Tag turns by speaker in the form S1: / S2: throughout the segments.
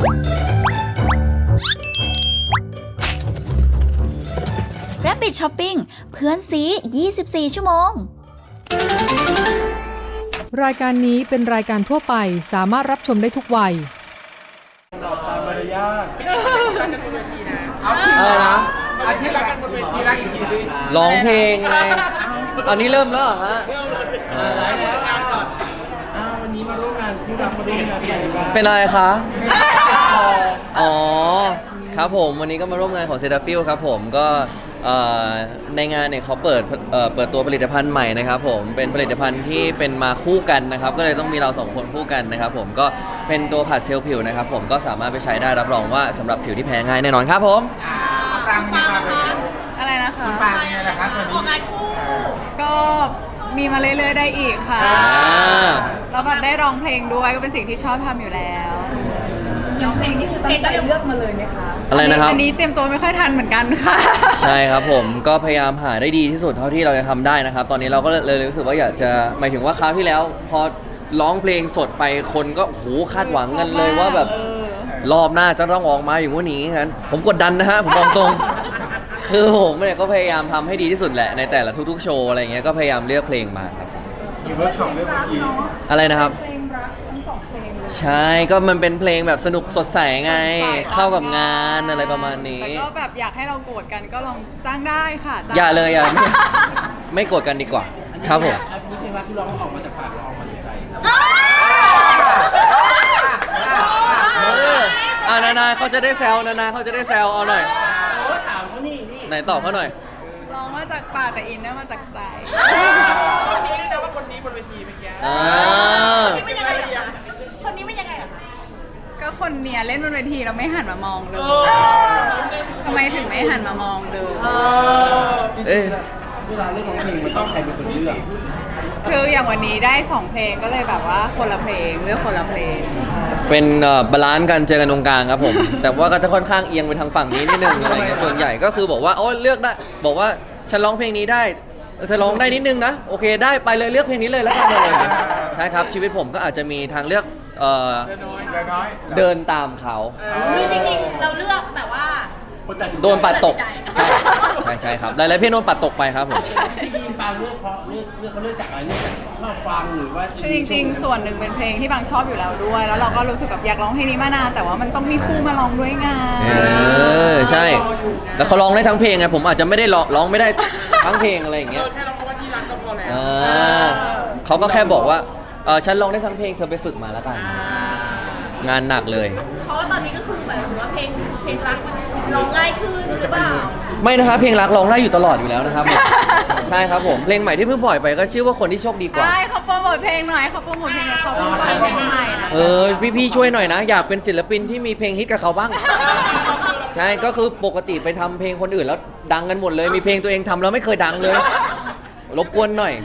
S1: Rabbit Shopping เพื่อนซี 24 ชั่วโมง
S2: รายการนี้เป็นรายการทั่วไปสามารถรับชมได้ทุกวัย
S3: ตามมารยาท
S4: อะไรนะ
S3: อาทิตย์ละกันบนเวทีรักอีกทีดิ
S4: ร้องเพลงไงอันนี้เริ่มแล้วเหรอฮะ
S3: วันนี้มาร่วมงานคู่รักมาร่วมงานอะไรบ้าง
S4: เป็นอะไรคะอ๋อครับผมวันนี้ก็มาร่วมงานของเซตาฟิลครับผมก็ในงานเนี่ยเขาเปิดตัวผลิตภัณฑ์ใหม่นะครับผมเป็นผลิตภัณฑ์ที่เป็นมาคู่กันนะครับก็เลยต้องมีเราสองคนคู่กันนะครับผมก็เป็นตัวผัดเซลล์ผิวนะครับผมก็สามารถไปใช้ได้รับรองว่าสำหรับผิวที่แพ้ง่ายแน่นอนครับผม
S3: ปรางเป็นยังไงบ้าง
S5: อะไรนะคะ
S3: ปรางเป็นยังไงล่ะครับวันนี้
S5: งานคู่ก็มีมาเรื่อยๆได้อีกค่ะแล้วแบบได้ร้องเพลงด้วยก็เป็นสิ่งที่ชอบทำอยู่แล้ว
S1: ร้องเพลงนี่คือตั้งใจเลือกมาเลยไหมคะ
S4: อะไรนะครับ
S5: อันนี้เตรียมตัวไม่ค่อยทันเหมือนกันค่ะ
S4: ใช่ครับผมก็พยายามหาได้ดีที่สุดเท่าที่เราจะทำได้นะครับตอนนี้เราก็เลยรู้สึกว่าอยากจะหมายถึงว่าคราวที่แล้วพอร้องเพลงสดไปคนก็โหคาดหวังกันเลยว่าแบบรอบหน้าจะต้องออกมาอย่างว่านี้งั้นผมกดดันนะฮะผมบอกตรงคือผมเนี่ยก็พยายามทำให้ดีที่สุดแหละในแต่ละทุกๆโชว์อะไรเงี้ยก็พยายามเลือกเพลงมาครับ
S3: มีเวิร์กช็อปด้วยเมื่อกี้
S4: อะไรนะครับ
S1: เพลงรักทั้งสองเพลงเลย
S4: ใช่ก็มันเป็นเพลงแบบสนุกสดใสไงเข้ากับงานอะไรประมาณนี้
S5: แต่ก็แบบอยากให้เราโกรธกันก็ลองจ้างได้ค่ะ
S4: อย่าเลยอย่าไม่โกรธกันดีกว่าครับผม
S3: อันนี้เพลงรักที่ร้องออกมาจากปากเราออกมาจากใจ
S4: นาเขาจะได้แซวนาเขาจะได้แซวเอาหน่อย
S3: ถามเขานี่
S4: ไหนตอบเขาหน่อย
S5: ร้องมาจากปากแต่อินเนอร์มาจากใจ
S3: เขาชี้ด้วยนะว่าคนนี้บนเวทีเมื่อกี้
S1: คนนี้เป็นยังไงอะคนนี้เป็นยังไงอะ
S5: ก็คนเนี้ยเล่นบนเวทีเราไม่หันมามองเลยทำไมถึงไม่หันมามองเลย
S3: เวลาเล่นร้องเพลงมันต้องใครเป็นคนเลือก
S5: คืออย่างวันนี้ได้2เพลงก็เลยแบบว่าคนละเพลงเลือกคนละเพลง
S4: เป็นบาลานซ์กันเจอกันตรงกลางครับผมแต่ว่าก็จะค่อนข้างเอียงไปทางฝั่งนี้นิดนึงอะไรเงี้ยส่วนใหญ่ก็คือบอกว่าโอ้เลือกได้บอกว่าฉันร้องเพลงนี้ได้จะร้องได้นิดนึงนะโอเคได้ไปเลยเลือกเพลงนี้เลยแล้วกันเลยใช่ครับชีวิตผมก็อาจจะมีทางเลือกเดินตามเขา
S1: คือจริงๆเราเลือกแต่ว่า
S4: โดนปัดตกใช่ครับหลายๆเพลงโดนปัดตกไปครับผม
S3: จริงๆปางเลือกเพราะเลือกเขาเลือกจากอะไรเลือกจากชอบฟังหรือว่า
S5: คือจริงๆส่วนหนึ่งเป็นเพลงที่บางชอบอยู่แล้วด้วยแล้วเราก็รู้สึกแบบอยากร้องเพลงนี้มานานแต่ว่ามันต้องมีคู่มาร้องด้วยไง
S4: ใช่แล้วเขาร้องได้ทั้งเพลงไงผมอาจจะไม่ได้ร้องไม่ได้ทั้งเพลงอะไรอย่างเงี้ย
S3: แค่ร้องคำว่าที่รักก็พอแล้ว
S4: เขาก็แค่บอกว่าฉันร้องได้ทั้งเพลงเธอไปฝึกมาแล้วกันงานหนักเลย
S1: เพราะว่าตอนนี้ก็คือหมายถึงว่าเพลงรักมันร้องง่ายขึ้นหรือเปล่า
S4: ไม่นะครับเพลงรักร้องได้อยู่ตลอดอยู่แล้วนะครับใช่ครับผมเพลงใหม่ที่เพิ่งปล่อยไปก็ชื่อว่าคนที่โชคดีกว่า
S5: ใช่เขาโปรโมทเพลงหน่อยเขาโปรโมทเพลงเขาโปรโมทเพลงใหม่นะ
S4: พี่ช่วยหน่อยนะอยากเป็นศิลปินที่มีเพลงฮิตกับเขาบ้างใช่ก็คือปกติไปทำเพลงคนอื่นแล้วดังกันหมดเลยมีเพลงตัวเองทำแล้วไม่เคยดังเลยรบกวนหน่อย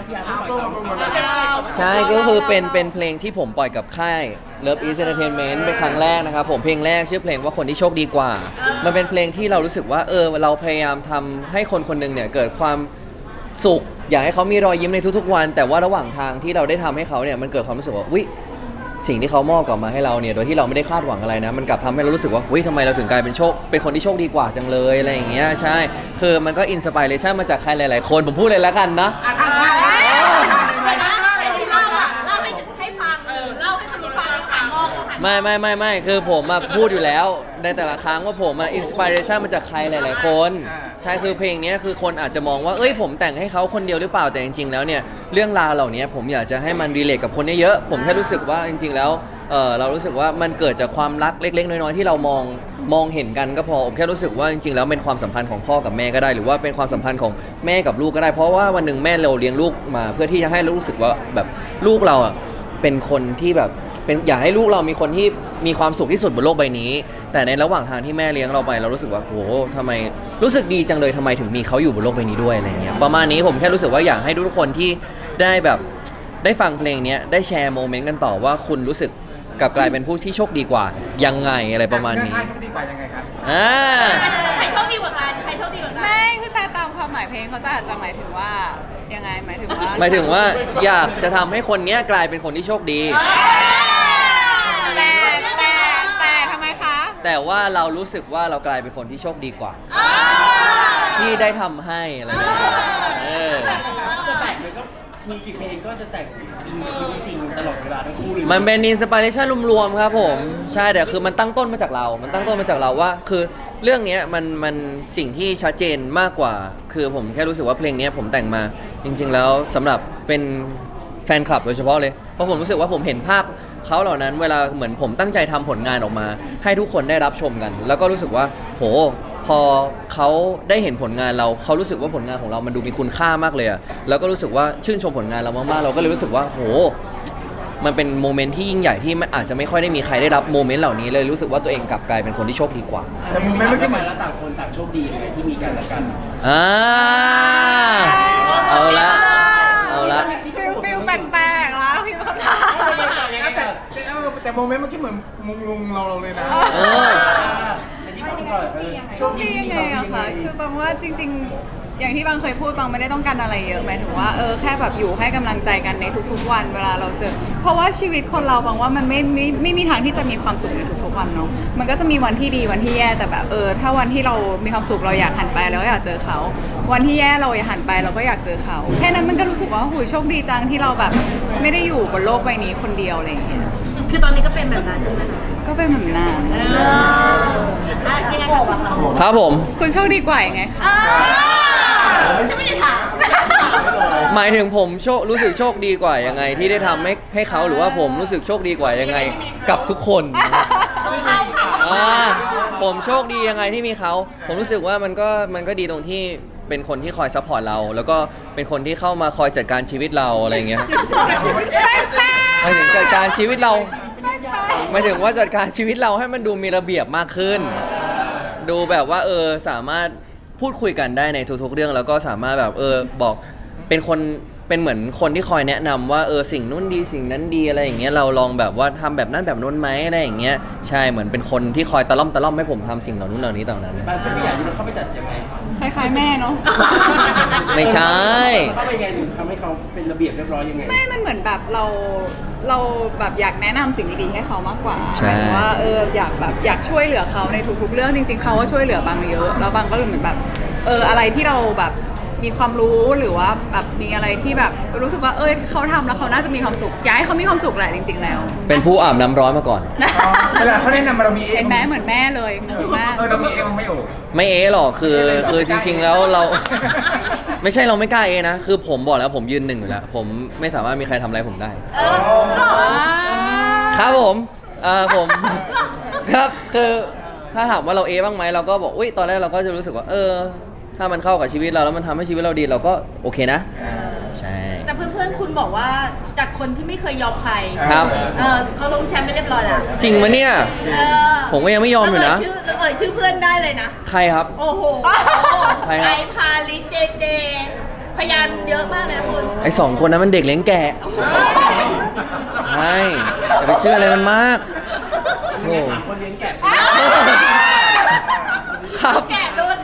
S4: ใช่ก็คือเป็นเพลงที่ผมปล่อยกับค่าย Love Is Entertainment เป็นครั้งแรกนะครับผมเพลงแรกชื่อเพลงว่าคนที่โชคดีกว่ามันเป็นเพลงที่เรารู้สึกว่าเราพยายามทำให้คนคนหนึ่งเนี่ยเกิดความสุขอยากให้เขามีรอยยิ้มในทุกๆวันแต่ว่าระหว่างทางที่เราได้ทำให้เขาเนี่ยมันเกิดความรู้สึกว่าอุ๊ยสิ่งที่เขามอบกลับมาให้เราเนี่ยโดยที่เราไม่ได้คาดหวังอะไรนะมันกลับทำให้เรารู้สึกว่าทำไมเราถึงกลายเป็นคนที่โชคดีกว่าจังเลยอะไรอย่างเงี้ยใช่คือมันก็อินสปิเรชันมาจากใครหลายๆคนผมพูดเลยแล้วกันนะไม่คือผมมาพูดอยู่แล้วในแต่ละครั้งว่าผมมาอินสปิเรชันมาจากใครหลายๆคนใช่คือเพลงนี้คือคนอาจจะมองว่าผมแต่งให้เขาคนเดียวหรือเปล่าแต่จริงๆแล้วเนี่ยเรื่องราวเหล่านี้ผมอยากจะให้มันรีเลทกับคนเยอะๆผมแค่รู้สึกว่าจริงๆแล้วเรารู้สึกว่ามันเกิดจากความรักเล็กๆน้อยๆที่เรามองเห็นกันก็พอผมแค่รู้สึกว่าจริงๆแล้วเป็นความสัมพันธ์ของพ่อกับแม่ก็ได้หรือว่าเป็นความสัมพันธ์ของแม่กับลูกก็ได้เพราะว่าวันหนึ่งแม่เราเลี้ยงลูกมาเพื่อที่จะให้รู้สึกว่าแบบลูกเราเป็นคนที่แบบอยากให้ลูกเรามีคนที่มีความสุขที่สุดบนโลกใบนี้แต่ในระหว่างทางที่แม่เลี้ยงเราไปเรารู้สึกว่าโหทำไมรู้สึกดีจังเลยทำไมถึงมีเขาอยู่บนโลกใบนี้ด้วยอะไรเงี้ยประมาณนี้ผมแค่รู้สึกว่าอยากให้ทุกคนที่ได้แบบได้ฟังเพลงนี้ได้แชร์โมเมนต์กันต่อว่าคุณรู้สึกกลับกลายเป็นผู้ที่โชคดีกว่ายังไงอะไรประมาณนี้
S3: ใครโชคดีกว่ายังไงครับ
S1: ใครโชคดีกว่ากันใครโชคดีกว่ากัน
S5: ไม่คือแต่ตามความหมายเพลงเขาจะอาจจะหมายถึงว่ายังไงหมายถึง
S4: ว่าอยากจะทำให้คนนี้กลายเป็นคนที่โชคดี
S5: แต่ทำไ
S4: แต่ว่าเรารู้สึกว่าเรากลายเป็นคนที่โชคดีกว่า ที่ได้ทำให้อะไรอย่างเงี้ยเออ
S3: จะแต่งเลยก็มีกี่เพลงก็จะแต่งอิงกับชีวิตจริงตลอดเวลาทั้งคู่เลย
S4: มันเป็นอินสปิเรชันรวมๆครับผมใช่แต่คือมันตั้งต้นมาจากเรา มันตั้งต้นมาจากเราว่า คือเรื่องเนี้ยมันสิ่งที่ชัดเจนมากกว่า คือผมแค่รู้สึกว่าเพลงเนี้ยผมแต่งมาจริง ๆ แล้วสำหรับเป็นแฟนคลับโดยเฉพาะเลยเพราะผมรู้สึกว่าผมเห็นภาพเขาเหล่านั้นเวลาเหมือนผมตั้งใจทำผลงานออกมา ให้ทุกคนได้รับชมกัน แล้วก็รู้สึกว่าโหพอเขาได้เห็นผลงานเราเขารู้สึกว่าผลงานของเรามันดูมีคุณค่ามากเลยอะแล้วก็รู้สึกว่าชื่นชมผลงานเรามากๆเราก็เลยรู้สึกว่าโหมันเป็นโมเมนต์ที่ยิ่งใหญ่ที่มันอาจจะไม่ค่อยได้มีใครได้รับโมเมนต์เหล่านี้เลยรู้สึกว่าตัวเองกลับกลายเป็นคนที่โชคดีกว่า
S3: แต่โมเมนต์เมื่อกี้แล้วต่างคนต่างโชคดียังไงที่มีกันและกัน
S4: อ่าเอาละเอาละ
S5: ฟิลแปลกๆแล้วพี่คำถาม
S6: แต่โมเมนต์เมื่อกี้เหมือนมุงลุงเราเลยนะ
S4: เออ
S3: อันนี้บอกก่อนโชคดี
S5: ที่
S3: ที่
S5: ยัง
S3: มี
S5: ไง
S3: เขา
S5: อะคะคือบางว่าจริง ๆ อย่างที่บางเคยพูดบางไม่ได้ต้องการอะไรเยอะหมายถึงว่าแค่แบบอยู่ให้กำลังใจกันในทุกๆวันเวลาเราเจอเพราะว่าชีวิตคนเราบางว่ามันไม่มีทางที่จะมีความสุขในทุกๆวันเนาะมันก็จะมีวันที่ดีวันที่แย่แต่แบบถ้าวันที่เรามีความสุขเราอยากหันไปเราก็อยากเจอเขาวันที่แย่เราอยากหันไปเราก็อยากเจอเขาแค่นั้นมันก็รู้สึกว่าหูยโชคดีจังที่เราแบบไม่ได้อยู่บนโลกใบนี้คนเดียวอะไรอย่างเงี้ย
S1: คือตอนนี้ก็เป็นแบบนั้นใช่ไหมคะ
S5: ก็เป็นแบบนั้น
S1: ยังไงคะ
S4: ครับผม
S5: คุณโชคดีกว่ายังไงคะ
S1: ฉันไม่ได้ถาม
S4: หมายถึงผมรู้สึกโชคดีกว่ายังไงที่ได้ทำให้เขาหรือว่าผมรู้สึกโชคดีกว่ายังไงกับทุกคน ผมโชคดียังไงที่มีเขาผมรู้สึกว่ามันก็ดีตรงที่เป็นคนที่คอยซัพพอร์ตเรา แล้วก็เป็นคนที่เข้ามาคอยจัดการชีวิตเราอะไรอย่างเงี้ยหมายถึงจัดการชีวิตเราหมายถึงว่าจัดการชีวิตเราให้มันดูมีระเบียบมากขึ้น ดูแบบว่าสามารถพูดคุยกันได้ในทุกๆเรื่องแล้วก็สามารถแบบบอกเป็นเหมือนคนที่คอยแนะนำว่าสิ่งนู้นดีสิ่งนั้นดีอะไรอย่างเงี้ยเราลองแบบว่าทำแบบนั้นแบบนู้นไหมอะไรอย่างเงี้ยใช่เหมือนเป็นคนที่คอยตะล่อมให้ผมทำสิ่งเหล่านู้นเหล่านี้ต่างนั้น
S3: บ้านเป็นผู้ใหญ่ที่เราเข้าไปจัดยังไง
S5: คล้ายๆแม่เนาะ
S4: ไม่ใช่
S3: เข้าไปยังไงหรือทำให้เขาเป็นระเบียบเรียบร้อยยังไง
S5: ไม่มันเหมือนแบบเราแบบอยากแนะนำสิ่งดีๆให้เขามากกว่า
S4: ใช่
S5: หมายถึงว่าอยากช่วยเหลือเขาในทุกๆเรื่องจริงๆเขาก็ช่วยเหลือบางเยอะแล้วบางก็เหมือนแบบอะไรที่เราแบบมีความรู้หรือว่าแบบมีอะไรที่แบบรู้สึกว่าเขาทำแล้วเขาน่าจะมีความสุขอยากให้เขามีความสุขแหละจริง ๆแล้ว
S4: เป็นผู้อาบน้ำร้อนมาก่อน
S6: เวลาเขาแนะนำมาเรามีเอง
S5: เป็นแม่เหมือนแม่เลยเหมือนแม่
S6: เรามีเองไม่โอ้
S4: ไม่หรอกคือจริง ๆแล้วเรา ไม่ใช่เราไม่กล้านะคือผมบอกแล้วผมยืนหนึ่งอยู่แล้วผมไม่สามารถมีใครทำอะไรผมได้ ครับผมผม ครับคือถ้าถามว่าเราบ้างไหมเราก็บอกอุ้ยตอนแรกเราก็จะรู้สึกว่าถ้ามันเข้ากับชีวิตเราแล้วมันทำให้ชีวิตเราดีเราก็โอเคนะใช่
S1: แต่เพื่อนๆคุณบอกว่าจากคนที่ไม่เคยยอมใคร
S4: ครับ
S1: เขาลงแชมป์ไปเรียบร้อยแล้ว
S4: จริงมะเนี่ย ผมก็ยังไม่ยอมอยู่นะ
S1: ชื่อเพื่อนได้เลยนะ
S4: ใครครับ
S1: โอ้โห
S4: ใครครับ
S1: ไอพาลิเจเจ พยานเยอะมากเลยนะคุณ
S4: ไอ้2 คนนั้นมันเด็กเลี้ยงแกะใช่อย่าไปเชื่ออะไรมันมากโธ่
S3: ถามคนเลี้ยงแกะ
S1: ครับแกะโดน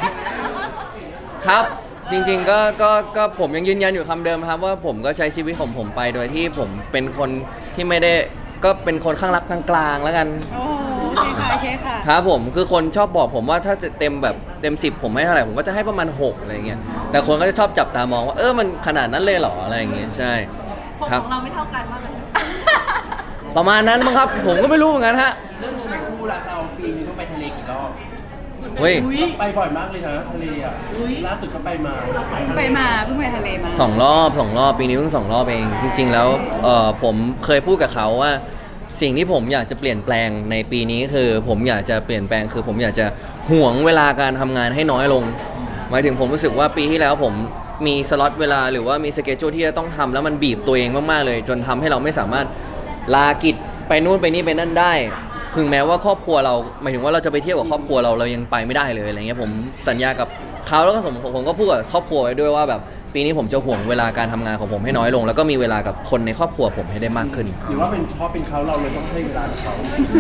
S4: ครับจริงๆก็ผมยังยืนยันอยู่คำเดิมครับว่าผมก็ใช้ชีวิตของผมไปโดยที่ผมเป็นคนที่ไม่ได้ก็เป็นคนข้างรักกลางๆแล้วกัน
S5: โอ้โอเคค่ะโอเคค่ะ
S4: ครับผมคือคนชอบบอกผมว่าถ้าจะเต็มแบบเต็ม10ผมให้เท่าไหร่ผมก็จะให้ประมาณ6อะไรเงี้ยแต่คนก็จะชอบจับตามองว่ามันขนาดนั้นเลยเหรออะไรอย่างเงี้ยใช่
S1: ผม
S4: ครับ
S1: ของเราไม่เท่ากันมากเลย
S4: ประมาณนั้นมั้งครับผมก็ไม่รู้เหมือนกันฮะ
S3: เรื่องนึงในคู่รักเราปีนึงต้องไปทะเลกี่รอบ
S4: เฮ้ย
S3: ไปบ่อยมากเลยนะทะเลอ่ะล่าสุดก็ไปมา
S5: เพิ่งไปทะเลมา
S4: 2 รอบปีนี้เพิ่ง2 รอบเองจริงๆแล้วผมเคยพูดกับเขาว่าสิ่งที่ผมอยากจะเปลี่ยนแปลงในปีนี้คือผมอยากจะเปลี่ยนแปลงคือผมอยากจะห่วงเวลาการทำงานให้น้อยลงหมายถึงผมรู้สึกว่าปีที่แล้วผมมีสล็อตเวลาหรือว่ามีสเกจจูที่จะต้องทำแล้วมันบีบตัวเองมากๆเลยจนทำให้เราไม่สามารถลากิจไปนู่นไปนี่ไปนั่นได้ถึงแม้ว่าครอบครัวเราหมายถึงว่าเราจะไปเที่ยวกับครอบครัวเรายังไปไม่ได้เลยอะไรเงี้ยผมสัญญากับเขาแล้วก็ผมก็พูดกับครอบครัวไว้ด้วยว่าแบบปีนี้ผมจะห่วงเวลาการทำงานของผมให้น้อยลง แล้วก็มีเวลากับคนในครอบครัวผมให้ได้มากขึ้น
S3: หรือว่าเป็นเพราะเป็นเขาเราเลยต้องให้เวลากับเขา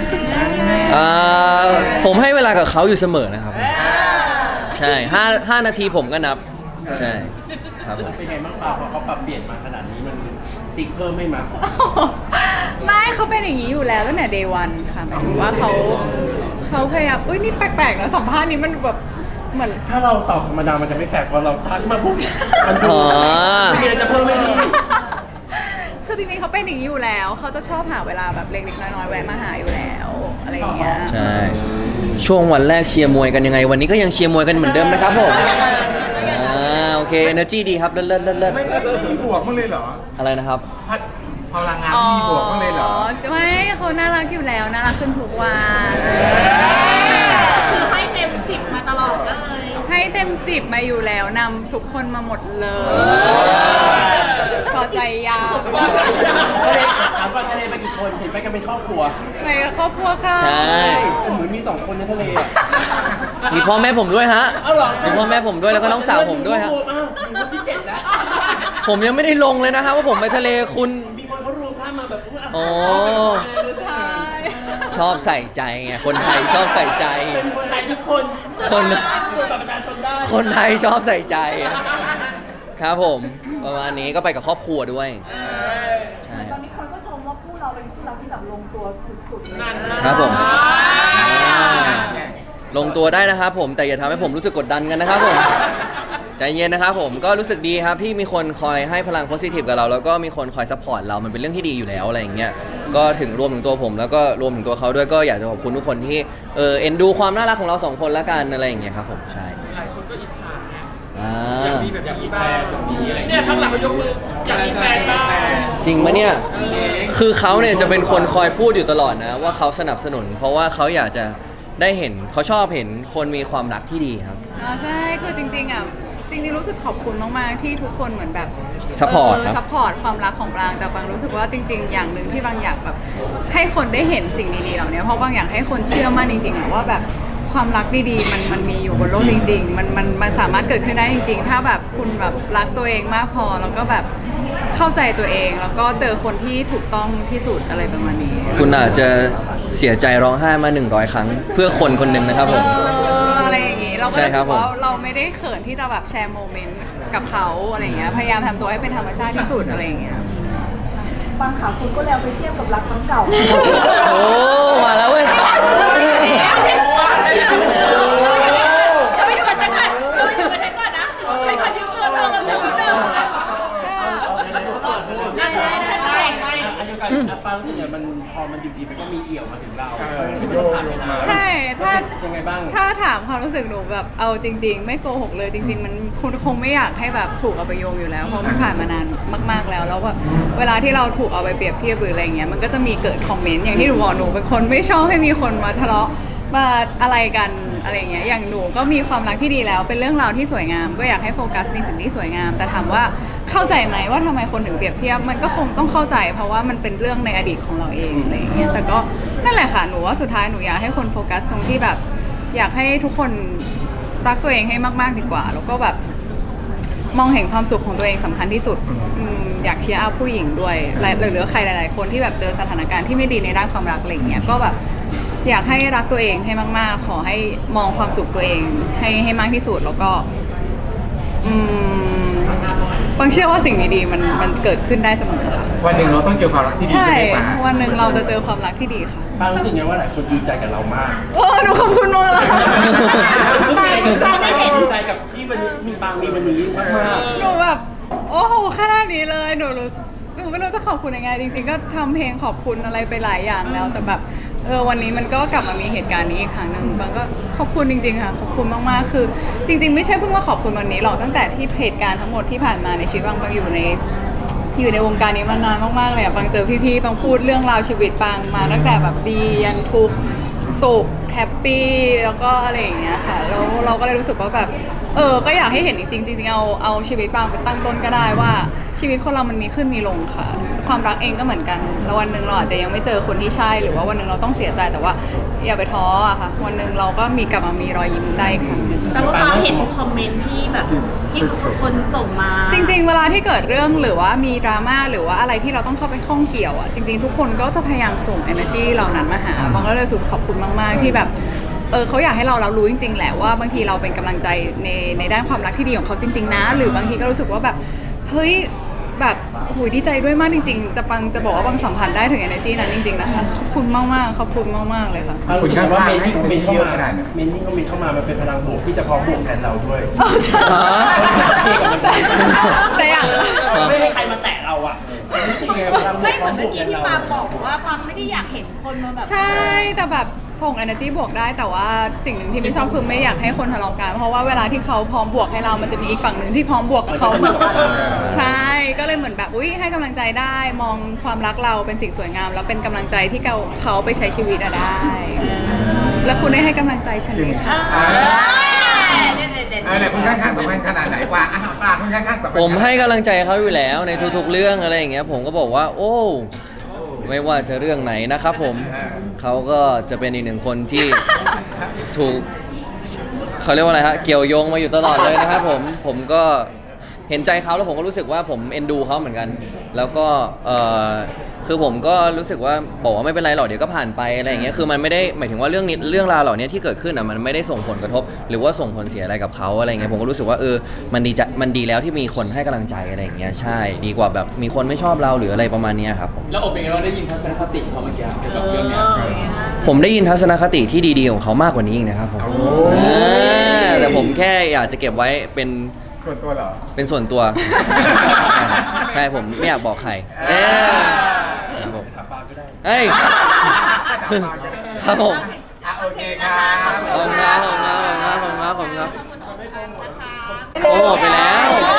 S4: ผมให้เวลากับเขาอยู่เสมอนะครับใช่5 นาทีผมก็นับใช่ครับผม
S3: เป็นไงบ้างเปล่าพอเขาปรับเปลี่ยนมาขนาดนี้มันติ๊กเพิ่มไม่มา
S5: ไม่เขาเป็นอย่างนี้อยู่แล้วตั้งแต่ day one ค่ะหมายถึงว่าเขาเขาพยายามอุ้ยนี่แปลกๆนะสัมภาษณ์นี้มันแบบเหมือน
S3: ถ้าเราตอบธรรมดามันจะไม่แปลกพอเราทักมาปุ๊บมันดู
S4: อ๋อ
S3: ไม่มีอะไรจะเพิ่มไม่ดี
S5: คือจริงๆเขาเป็นอย่างนี้อยู่แล้ว เขาจะชอบหาเวลาแบบเล็กๆน้อยๆแวะมาหาอยู่แล้วอะไรอย่างเงี้ย
S4: ใช่ ช่วงวันแรกเชียร์มวยกันยังไง วันนี้ก็ยังเชียร์มวยกันเหมือนเดิมนะครับผมโอเค energy ดีครับเลิศ
S6: ไม่มีบวกมั้างเลยเหรอ
S4: อะไรนะครับ
S6: พลังงานไม่มีบวกมั้างเลยเหรอ
S5: ไม่เขาน่ารักอยู่แล้วน่ารักขึ้นทุกวัน
S1: คือให้เต็ม 10 มาตลอดก็เลย
S5: ให้เต็ม10มาอยู่แล้วนำทุกคนมาหมดเลยพอใจยาว
S3: ถามว่าทะเลไปกี่คนเห็นไปกันเป็นครอบครัว
S5: ไปกับครอบครัวค่ะ
S4: ใช่
S3: แต่เหมือนมี2คนในทะเลอะ
S4: มีพ่อแม่ผมด้วยฮะ
S3: เอาเหรอ
S4: มีพ่อแม่ผมด้วยแล้วก็น้องสาวผมด้วยฮะ
S3: อ้าวอยู่คนที่7แล้ว
S4: ผมยังไม่ได้ลงเลยนะฮะว่าผมไปทะเลคุณ
S3: มีคนเขารวมภาพมาแบบ
S4: โอ้
S5: ใช่
S4: ชอบใส่ใจไง คนไทยชอบใส่ใจ
S3: เป็นคนไทยทุกคน
S4: คน
S3: ตรวจบัตรประชาชนได้
S4: คนไทยชอบใส่ใจ ครับผม ประมาณนี้ก็ไปกับครอบครัวด้วย ใช่
S7: ตอนนี้คนก็ชมว่าคู่เราเป็นคู่รักที่แบบลงตัวสุดๆเลย
S4: ครับผมลงตัวได้นะครับผม แต่อย่าทำให้ผมรู้สึกกดดันกันนะครับผม ใจเย็นนะครับผมก็รู้สึกดีครับที่มีคนคอยให้พลังโพสิทีฟกับเราแล้วก็มีคนคอยซัพพอร์ตเรามันเป็นเรื่องที่ดีอยู่แล้วอะไรอย่างเงี้ยก็ถึงรวมถึงตัวผมแล้วก็รวมถึงตัวเขาด้วยก็อยากจะขอบคุณทุกคนที่เอ็นดูความน่ารักของเราสองคนละกันอะไรอย่างเงี้ยครับผมใช่หลายคนก็อิจฉาไงอยากมีแบบอยากมีแฟนแบบนี้อะไรเนี่ยข้างหลังเขายกมืออยากมีแฟนบ้างจริงไหมเนี่ยคือเขาเนี่ยจะเป็นคนคอยพูดอยู่ตลอดนะว่าเขาสนับสนุน เพราะว่าเขาอยากจะได้เห็นเขาชอบเห็นคนมีความรักที่ดีครับ
S5: ใช่คือจริงๆจริงๆรู้สึกขอบคุณมากๆที่ทุกคนเหมือนแบบ
S4: Support ครับ
S5: ซัพพอร์ตความรักของบางแต่บางรู้สึกว่าจริง ๆ อย่างหนึ่งที่บางอยากแบบให้คนได้เห็นสิ่งดีๆเหล่านี้เพราะบางอยากให้คนเชื่อมั่นจริงๆอะว่าแบบความรักดีๆมันมีอยู่บนโลกจริงๆมันสามารถเกิดขึ้นได้จริง ๆ ถ้าแบบคุณแบบรักตัวเองมากพอแล้วก็แบบเข้าใจตัวเองแล้วก็เจอคนที่ถูกต้องที่สุดอะไรประมาณนี้
S4: คุณอาจจะเสียใจร้องไห้มา100 ครั้ง เพื่อคนคนหนึ่งนะครับผม
S5: อะไรอย่างงี้เราก็
S4: ใช่
S5: รู้
S4: ครั
S5: สึ
S4: บ
S5: กว่า
S4: ผม
S5: เราไม่ได้เขินที่จะแบบแชร์โมเมนต์กับเขาอะไรอย่างเงี้ยพยายามทำตัวให้เป็นธรรมชาติที่สุดอะไรอย่างเงี้ย
S7: บางข่าวคุณก็แล้วไปเทียบกับรักครั้งเก่า
S4: โอ้มาแล้วเว้ย
S1: จะไม่อยู่กับฉันก่อนจะไม่อยู่กับฉันก่อนนะเป็นคนยืมตัวเธอแล้วเธอได้
S3: อายุการปารู้สึกเนี่ยมันพอมันดีๆมันก็มีเอี่ยวมาถึงเราที่มันผ่านไปนาน
S5: ใช่ถ้า
S3: ยังไงบ้าง
S5: ถ้าถามความรู้สึกหนูแบบเอาจริง ๆ ไม่โกหกเลยจริง ๆ มันคุณคงไม่อยากให้แบบถูกเอาไปโยงอยู่แล้วเพราะมันผ่านมานานมากๆแล้วแล้วแบบเวลาที่เราถูกเอาไปเปรียบเทียบหรืออะไรเงี้ยมันก็จะมีเกิดคอมเมนต์อย่างที่หนูบอกหนูเป็นคนไม่ชอบให้มีคนมาทะเลาะมาอะไรกันอะไรเงี้ยอย่างหนูก็มีความรักที่ดีแล้วเป็นเรื่องราวที่สวยงาม ก็อยากให้โฟกัสในสิ่งที่สวยงาม แต่ถามว่าเข้าใจไหมว่าทำไมคนถึงเปรียบเทียบมันก็คงต้องเข้าใจ เพราะว่ามันเป็นเรื่องในอดีตของเราเองอะไรเงี้ยแต่ก็นั่นแหละค่ะหนูว่าสุดท้ายหนูอยากให้คนโฟกัสตรงที่แบบอยากให้ทุกคนรักตัวเองให้มากๆดีกว่า แล้วก็แบบมองเห็นความสุขของตัวเองสำคัญที่สุดอยากเชียร์อัพผู้หญิงด้วยหรือใครหลายๆคนที่แบบเจอสถานการณ์ที่ไม่ดีในด้านความรักอะไรเงี้ยก็แบบอยากให้รักตัวเองให้มากๆขอให้มองความสุขตัวเองให้มากที่สุดแล้วก็บางเชื่อว่าสิ่งดีๆมันเกิดขึ้นได้เสมอค่ะ
S6: วันหนึ่งเราต้องเจอความรักที่ดี
S5: ใช่
S6: ใช่ไหมปา
S5: วันหนึ่งเราจะเจอความรักที่ดีค่ะ
S3: ปารู้สึกไงว่าหลายคนดีใจกับเรามาก
S5: โอ้หนูขอบคุณมากเลย
S3: รู้สึกไงถึงดีใจกับที่วันนี้มีปางมีวันนี้มาก
S5: หนูแบบโอ้โหขนาดนี้เลยหนูไม่รู้จะขอบคุณยังไงจริงๆก็ทำเพลงขอบคุณอะไรไปหลายอย่างแล้วแต่แบบวันนี้มันก็กลับมามีเหตุการณ์นี้อีกครั้งหนึ่งบางก็ขอบคุณจริงๆค่ะขอบคุณมากๆคือจริงๆไม่ใช่เพิ่งมาขอบคุณวันนี้หรอกตั้งแต่ที่เหตุการณ์ทั้งหมดที่ผ่านมาในชีวิตบางอยู่ในวงการนี้มานานมากๆเลยอะบางเจอพี่ๆบางพูดเรื่องราวชีวิตบางมาตั้งแต่แบบดียันทุกข์สุขแฮปปี้แล้วก็อะไรอย่างเงี้ยค่ะแล้วเราก็เลยรู้สึกว่าแบบก็อยากให้เห็นจริงๆจริงๆเอาชีวิตบางไปตั้งต้นก็ได้ว่าชีวิตคนเรามันมีขึ้นมีลงค่ะความรักเองก็เหมือนกันแล้ววันหนึ่งเราอาจจะยังไม่เจอคนที่ใช่หรือว่าวันหนึ่งเราต้องเสียใจแต่ว่าอย่าไปท้ออะค่ะวันหนึ่งเราก็มีกลับมามีรอยยิ้มได้อีกครั้งหนึ่ง
S1: แต่ว่าฟ้าเห็นทุกคอมเมนต์ที่แบบที่คนส่งมา
S5: จริงๆเวลาที่เกิดเรื่องหรือว่ามีดราม่าหรือว่าอะไรที่เราต้องเข้าไปข้องเกี่ยวอ่ะจริงๆทุกคนก็จะพยายามส่ง energy เหล่านั้นมาหาบางก็เลยรู้สึกขอบคุณมากๆที่แบบเขาอยากให้เรารู้จริงๆแหละว่าบางทีเราเป็นกำลังใจในด้านความรักที่ดีของเขาจริงๆนะหรือบางทีก็รู้สึกว่าแบบเฮ้ยแบบโหยดีใจด้วยมากจริงๆแต่ปังจะบอกว่าปังสัมผัสได้ถึง energy นั้นจริงๆนะคะขอบคุณมากๆขอบคุณมากๆเลยค่ะ
S3: เรารู้สึกว่าเมนที่คอมเมนต์เข้ามาเมนที่คอมเมนต์เข้ามามันเป็นพลังบวกที่จะพร้อมบวกแทนเราด้วย
S5: ใช่แต่อยาก
S3: ไม่ให้ใครมาแตะเราอ่ะรู้สึกไงพลังบว
S1: ไม่
S3: ก
S1: เห
S3: พร้
S1: มื
S3: อ
S1: อน
S3: มบ
S1: เมื่
S3: ว
S1: อก กี้ที่
S3: แทนเรา
S1: ปาบอกว่าปาไม่ได้อยากเห็นคนมาแบบ
S5: ใช่แต่แบบส่ง energy บวกได้แต่ว่าสิ่งหนึ่งที่ไม่ชอบคือไม่อยากให้คนทะเลาะกันเพราะว่าเวลาที่เขาพร้อมบวกให้เรามันจะมีอีกฝั่งหนึ่งที่พร้อมบวกกับเขาเหมือนกันใช่ก็เลยเหมือนแบบอุ้ยให้กำลังใจได้มองความรักเราเป็นสิ่งสวยงามแล้วเป็นกำลังใจที่เขาไปใช้ชีวิตอะได้ แล้วคุณได้ให้กำลังใจฉันไหมคะ
S6: เนี่ยคุณข้างๆสำคัญขนาดไหนกว่าปลาคุณข้างๆสำคัญ
S4: ผมให้กำลังใจเขาอยู่แล้วในทุกๆเรื่องอะไรอย่างเงี้ยผมก็บอกว่า โอ้ไม่ว่าจะเรื่องไหนนะครับผมเขาก็จะเป็นอีกหนึ่งคนที่ถูกเขาเรียกว่าอะไรฮะเกี่ยวโยงมาอยู่ตลอดเลยนะครับผมก็เห็นใจเขาแล้วผมก็รู้สึกว่าผมเอ็นดูเขาเหมือนกัน แล้วก็คือผมก็รู้สึกว่าบอกว่าไม่เป็นไรหรอกเดี๋ยวก็ผ่านไปอะไรอย่างเงี้ยคือมันไม่ได้หมายถึงว่าเรื่องราวเหล่านี้ที่เกิดขึ้นอ่ะมันไม่ได้ส่งผลกระทบ หรือว่าส่งผลเสียอะไรกับเขาอะไรอย่างเงี้ยผมก็รู้สึกว่ามันดีแล้วที่มีคนให้กำลังใจอะไรอย่างเงี้ยใช่ดีกว่าแบบมีคนไม่ชอบเราหรืออะไรประมาณเนี้ยครับผม
S8: แล้วอบเป็นไงว่าได้ยินทัศนคติเขาเมื่อกี้เกี่ยวกับเรื่องเนี้ย
S4: ผมได้ยินทัศนคติที่ดีๆของเขามากกว่านี้อีกนะครับผมแต่ผมแค่อยากจะเก็บไว้เป็น
S6: ส่วนตัวเหรอ
S4: เป็นส่วนตัว ใช่ผมไม่อยากบอกใครครับผมเฮ้ยครับผม
S6: โอเคครับ
S4: ขอบคุณครับโอ้หมดไปแล้ว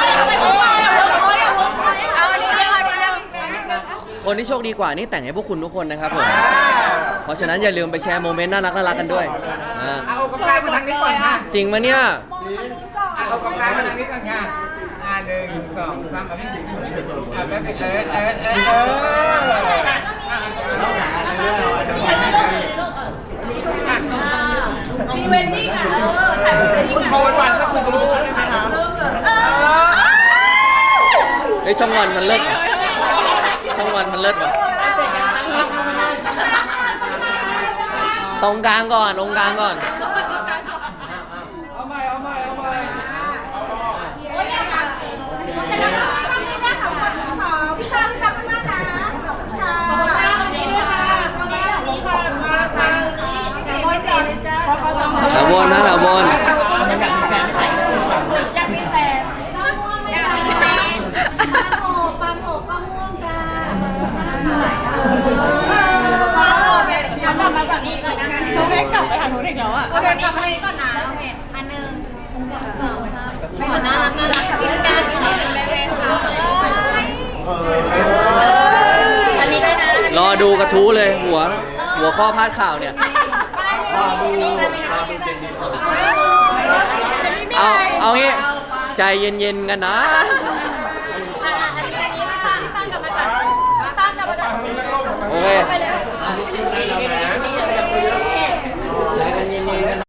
S4: คนที่โชคดีกว่านี่แต่งให้พวกคุณทุกคนนะครับผม เพราะฉะนั้นอย่าลืมไปแชร์โมเมนต์น่ารักกันด้วย
S6: เอากำลังมาทางนี้ก่อนค่ะ
S4: จริงมะเนี่ย
S6: เอากำลังมาทางนี้ก่อนค่ะ1 2 3พี่ถึงแป๊บนึง
S1: มีเวนดิ้งอ่ะถ่ายเวนดิ้งอ่ะ
S6: พอวันๆสักคุณรู้ได้ไหมครับ
S4: เฮ้ยช่องวันมันเลิศว่ะช่องวันมันเลิศว่ะตรงกลางก่อน
S1: โอ้ยค่ะเสร็จแล้วค่ะข้างนี้ได้ค่ะคนสองพี่ชายพี่ตั๊กข้างหน้านะขอบคุณค่ะขอบคุณค่ะตรงนี้ด้วยค่ะตรงนี้ค่ะมาทางนี้ไม่ติดจ้า
S4: แถวบนนะแถวบน
S1: อยากมีแฟนอยากมีแฟนปลาโหปลาม่วงจ้าทำมาแบบนี้ก่อนนะโอเคกลับไปทางนู้นอีกแล้วอ่ะโอเคกลับไปทางนี้ก่อนนะโอเคอันหนึ่ง2 3ไม่เหมือนน่ารักกินกันอีกนิดนึงได้ไหมคะอันนี้ด้วยนะ
S4: รอดูกระทู้เลยหัวข้อพาดข่าวเนี่ย เอางี้ใจเย็นๆกันนะ